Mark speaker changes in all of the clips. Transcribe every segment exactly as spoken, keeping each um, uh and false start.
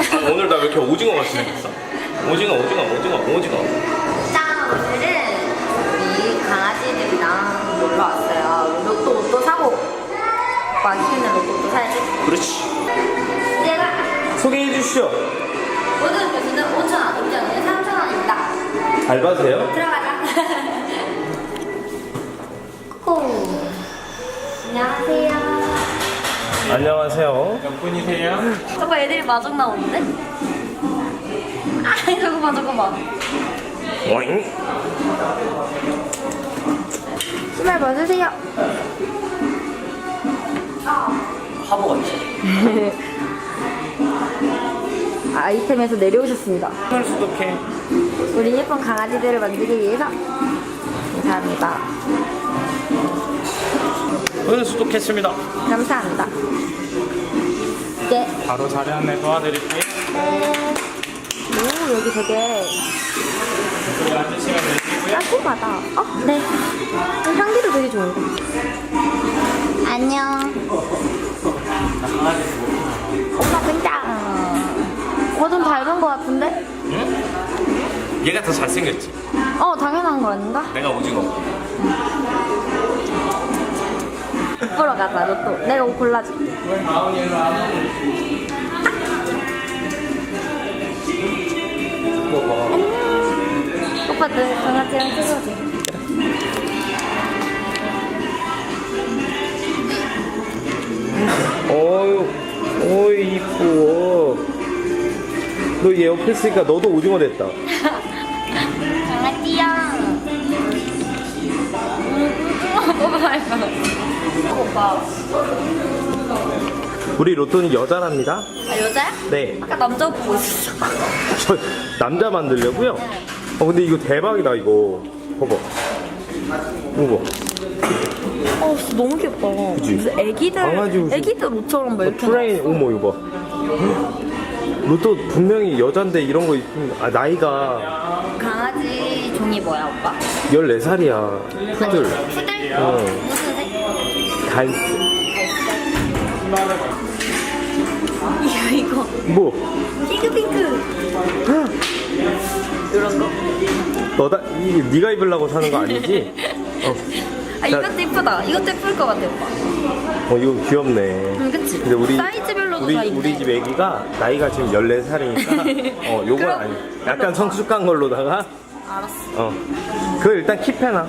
Speaker 1: 아, 오늘 나 왜 이렇게 오징어 같이 생겼어? 오징어 오징어 오징어 오징어.
Speaker 2: 짠! 오늘은 우리 강아지들이랑 놀러 왔어요. 로또 옷도 사고 오빠 키우는 로또도 사야지.
Speaker 1: 그렇지.
Speaker 2: 얘가
Speaker 1: 소개해 주시죠.
Speaker 2: 모든 교수는 오천 원, 입장료는 삼천 원입니다.
Speaker 1: 알바세요?
Speaker 2: 들어가자. 오. 안녕하세요.
Speaker 1: 안녕하세요. 몇 분이세요?
Speaker 2: 저거 애들이 마중 나오는데? 아, 저거 봐, 저거 봐.
Speaker 1: 오잉?
Speaker 2: 신발 벗으세요.
Speaker 1: 화보 같지?
Speaker 2: 아이템에서 내려오셨습니다.
Speaker 1: 손을 수독해.
Speaker 2: 우리 예쁜 강아지들을 만들기 위해서 감사합니다.
Speaker 1: 손을 수독했습니다.
Speaker 2: 감사합니다. 네.
Speaker 1: 바로 자리 안내 도와드릴게요.
Speaker 2: 네. 오, 여기 되게
Speaker 1: 여기 앉으시면 되시고요.
Speaker 2: 깔끔하다. 어, 네. 향기도 되게 좋은데. 안녕. 엄마 굉장. 오빠 좀 닮은 거 같은데?
Speaker 1: 응? 얘가 더 잘생겼지?
Speaker 2: 어, 당연한 거 아닌가?
Speaker 1: 내가 오징어.
Speaker 2: 보러 가자, 로또. 내가 옷 골라줄게. 오빠도 강아지랑 찍어줘.
Speaker 1: 어유, 어이 이뻐. 너 얘 옆에 있으니까 너도 오징어 됐다.
Speaker 2: 강아지야. 오빠 말고. 오빠.
Speaker 1: 우리 로또는 여자랍니다.
Speaker 2: 아, 여자야?
Speaker 1: 네.
Speaker 2: 아까 남자 보고 있었어.
Speaker 1: 저 남자 만들려고요? 어 근데 이거 대박이다 이거. 봐봐. 이거.
Speaker 2: 어, 진짜 너무 귀엽다.
Speaker 1: 그치?
Speaker 2: 무슨 애기들,
Speaker 1: 강아지 옷이-
Speaker 2: 애기들 옷처럼 막 이렇게.
Speaker 1: 트레인
Speaker 2: 나왔어.
Speaker 1: 어머 이거 봐. 로또 분명히 여잔데 이런 거 있으면 아 나이가
Speaker 2: 강아지 종이 뭐야, 오빠?
Speaker 1: 열네 살이야. 푸들.
Speaker 2: 푸들?
Speaker 1: 어.
Speaker 2: 무슨 색?
Speaker 1: 갈색.
Speaker 2: 이거, 이거.
Speaker 1: 뭐?
Speaker 2: 핑크핑크. 이런 거?
Speaker 1: 너다 이 네가 입으려고 사는 거 아니지? 어.
Speaker 2: 아, 이것도 이쁘다. 이것도 예쁠 것 같아, 오빠.
Speaker 1: 어 이거 귀엽네.
Speaker 2: 응, 그치?
Speaker 1: 근데 우리
Speaker 2: 사이즈별로도
Speaker 1: 우리
Speaker 2: 다 있네.
Speaker 1: 우리 집 애기가 나이가 지금 열네 살이니까 어 요건
Speaker 2: 그럼-
Speaker 1: 아니. 약간 성숙한 걸로다가
Speaker 2: 알았어.
Speaker 1: 어. 그거 일단 킵해놔.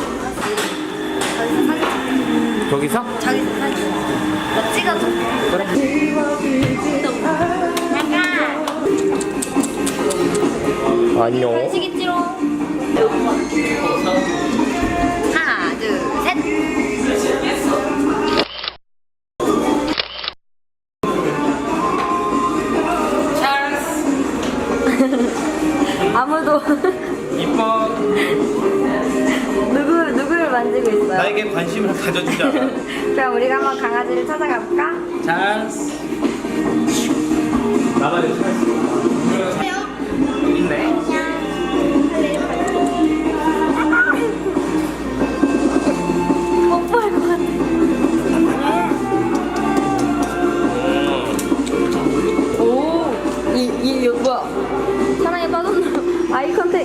Speaker 1: 저기서?
Speaker 2: 자기 사진. 나 찍어줘. 나가.
Speaker 1: 안녕.
Speaker 2: 간식 있지롱. 하나, 둘, 셋. 아무도
Speaker 1: 이뻐.
Speaker 2: 누구 누구를 만지고 있어요?
Speaker 1: 나에게 관심을 가져주자.
Speaker 2: 그럼 우리가 한번 강아지를 찾아가 볼까?
Speaker 1: 찬스. 나가야 돼. 여기 있네.
Speaker 2: 뽀뽀할 것 같아. 오, 이, 이, 이거 뭐야? 사랑에 빠졌나? 아이 컨택.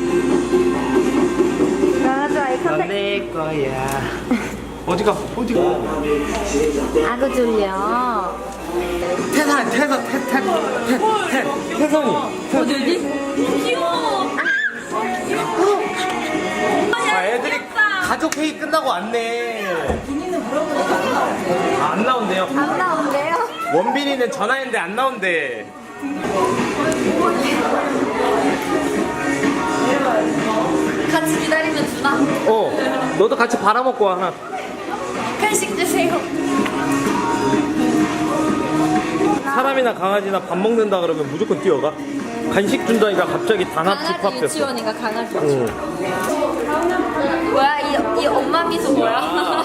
Speaker 2: 강아지 아이 컨택.
Speaker 1: 내 거야. 어디가? 어디가?
Speaker 2: 아구 졸려.
Speaker 1: 태산, 태산, 태, 태, 태, 태, 태산이.
Speaker 2: 어디 어디? 귀여워.
Speaker 1: 아, 애들이 가족 회의 끝나고 왔네. 아, 안 나온대요.
Speaker 2: 안 나온대요?
Speaker 1: 원빈이는 전화했는데 안 나온대.
Speaker 2: 같이 기다리면 주나?
Speaker 1: 어, 너도 같이 바라먹고 와, 하나.
Speaker 2: 간식 주세요.
Speaker 1: 사람이나 강아지나 밥 먹는다 그러면 무조건 뛰어가. 간식 준다니까 갑자기 단합
Speaker 2: 강아지
Speaker 1: 집합됐어.
Speaker 2: 유치원인가 강아지 유치원.
Speaker 1: 응.
Speaker 2: 뭐야 이, 이 엄마 미소 뭐야?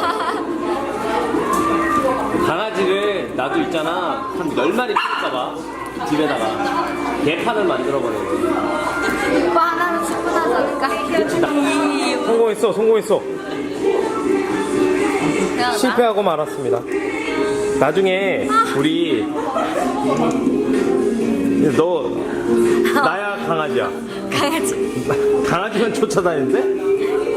Speaker 1: 강아지를 나도 있잖아 한 열 마리 키울까봐 집에다가 개판을 만들어버려.
Speaker 2: 오빠 하나는 충분하지 않을까?
Speaker 1: 성공했어 성공했어.
Speaker 2: 미안하다.
Speaker 1: 실패하고 말았습니다. 나중에 우리 너 나야 강아지야.
Speaker 2: 강아지.
Speaker 1: 강아지만 쫓아다니는데?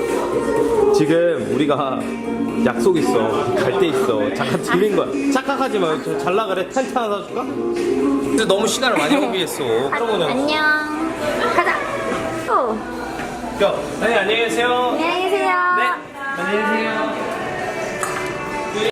Speaker 1: 지금 우리가 약속 있어. 갈 데 있어. 잠깐 들린 거야. 착각하지 마. 잘 나가래. 텐트 하나 사줄까? 근데 너무 시간을 많이 허비했어. 그런 거냐?
Speaker 2: 안녕. 가자. 어.
Speaker 1: 야, 네, 안녕히 계세요.
Speaker 2: 안녕히 계세요.
Speaker 1: 네, 안녕히 계세요.